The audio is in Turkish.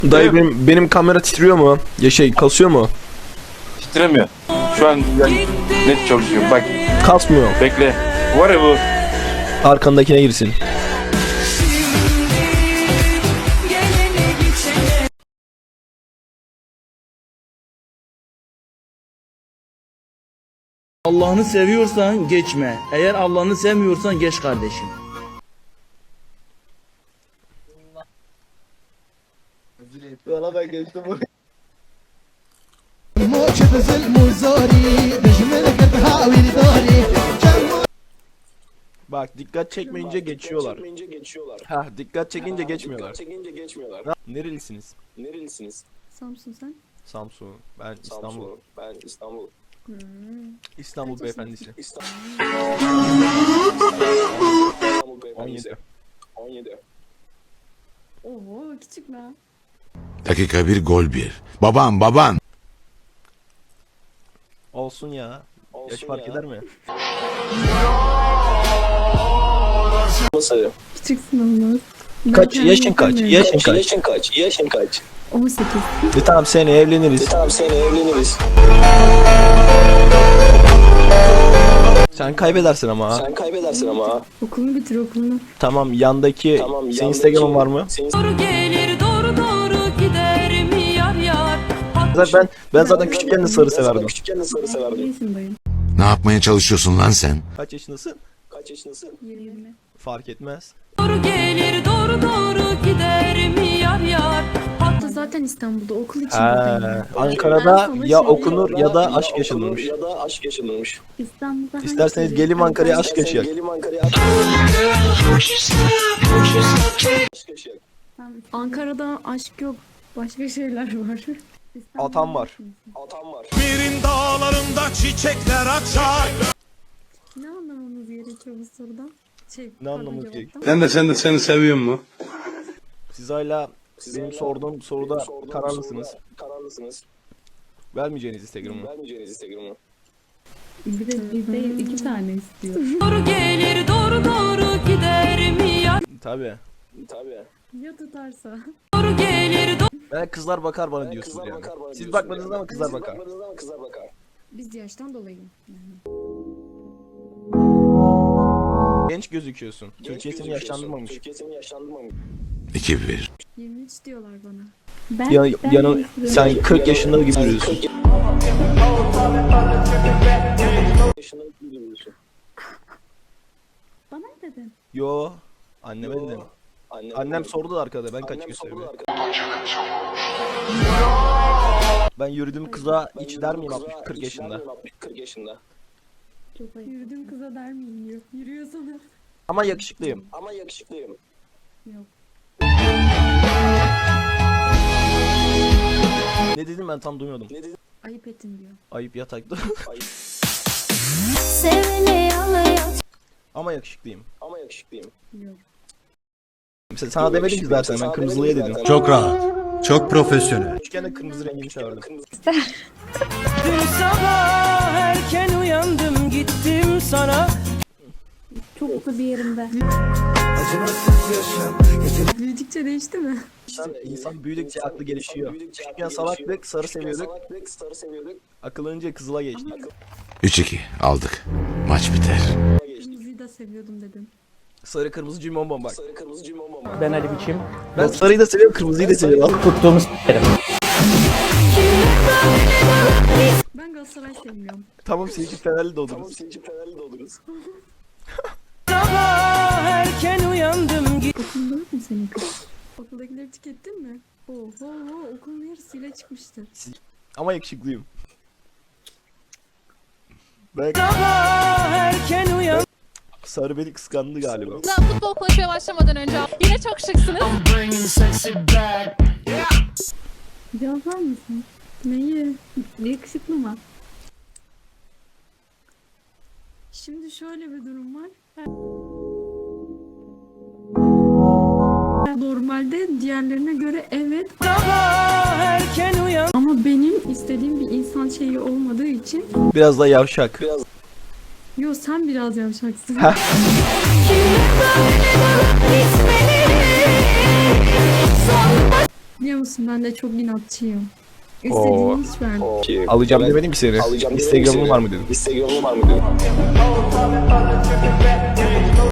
Dayı benim kamera titriyor mu? Ya kasıyor mu? Titremiyor. Şu an yani net çalışıyor. Bak Kasmıyor. bekle. Var ya bu. Arkandakine girsin. Allah'ını seviyorsan geçme. Eğer Allah'ını sevmiyorsan geç kardeşim. Valla ben geçtim bu. Bak dikkat çekmeyince geçiyorlar. Ha dikkat çekince geçmiyorlar. Nerelisiniz? Samsun sen? Samsun. Ben İstanbul. Hmm. İstanbul beyefendisi. 17. Oho küçük lan. Dakika bir gol bir. Baban. Olsun ya. Yaş fark eder mi? Küçüksün olmaz. Kaç yaşın kaç? Yaşın kaç? 18. Tamam seneye evleniriz. Sen kaybedersin ama ha. Okulunu bitir okulunu. Tamam yandaki senin Instagram'ın var mı? Doğru gelir doğru gider mi yar yar. Ben zaten küçükken de sarı severdim. İyisin dayım. Ne yapmaya çalışıyorsun lan sen? Kaç yaşındasın? 20. Fark etmez. Doğru gelir doğru gider mi yar yar. Hatta zaten İstanbul'da okul için Ha, buradayım. Ankara'da Ben ya sana okunur ya da aşk yaşanırmış. İstanbul'da hangi İsterseniz şehir? gelin Ankara'ya aşk yaşayalım. Ankara'da aşk yok. Başka şeyler var. İstanbul'da Atam var. Birin dağlarında çiçekler açar. Ne anlamamız gerekiyor bu sorudan? Ne anlamamız gerekiyor? Sen de seni seviyorum mu? Siz hala benim sorduğum soruda kararlısınız. Vermeyeceğiniz Instagram'ı. Bir de bir değil iki tane istiyor. Doğru gelir doğru gider mi yar. Tabii. Ya tutarsa? Doğru gelir Ben kızlar bakar bana diyorsunuz yani. Siz bakmadınız ama kızlar bakar. Biz yaştan dolayı. Genç gözüküyorsun. Türkiye seni yaşlandırmamış. 2-1. 23 diyorlar bana. Sen 40 yaşında gibi duruyorsun. Bana ne dedin? Yo. Anneme dedim. Annem sordu da arkada ben kaç gösteriyorum. Ben yürüdüğüm kıza hiç der miyim 40 yaşında? Çok ayıp. Yürüdüğüm kıza der miyim diyor. Yürüyor sana. Ama yakışıklıyım. Yok. Ne dedim ben tam duymadım. Ayıp ettin diyor. Ayıp yatakta. Ama yakışıklıyım. Yok. Mesela sana demedim ki zaten ben kırmızılıya dedim. Çok rahat. Çok profesyonel. Küçükken de kırmızı rengini severdim. Dün sabah erken uyandım gittim sana. Çok mutlu bir yerimde. Büyüdükçe değişti mi? İnsan büyüdükçe aklı gelişiyor. Küçükken salaklık, sarı seviyorduk. Akıllanınca kızıla geçtik. 3-2 aldık. Maç biter. Kırmızıyı da seviyordum dedim. Sarı kırmızı cimbombom bak. Ben Ali Biçim. Ben sarıyı da seviyorum, kırmızıyı da seviyorum. Tuttuğumuz s**erim. Ben Galatasaray sevmiyorum. Tamam seninki Fenerli de oluruz. Sabah erken uyandım gittim. Okulunda yok mu senin kız? Okuldakileri tükettin mi? Oho okulun yarısıyla çıkmıştı. Ama yakışıklıyım. Ben Sabah erken uyandım. sarı beni kıskandı galiba. Futbol konuşmaya başlamadan önce yine çok şıksınız. Cevaplar mısın? Neyi? Yakışıklı mı? Şimdi şöyle bir durum var. Normalde diğerlerine göre evet Sabah erken uyandım. ama benim istediğim bir insan şeyi olmadığı için Biraz da yavşak. yo sen biraz yavşaksın. Biliyor musun ben de çok inatçıyım. İstediğini hiç vermem. Alacağım demedim ki seni. Instagram'ın var mı dedim.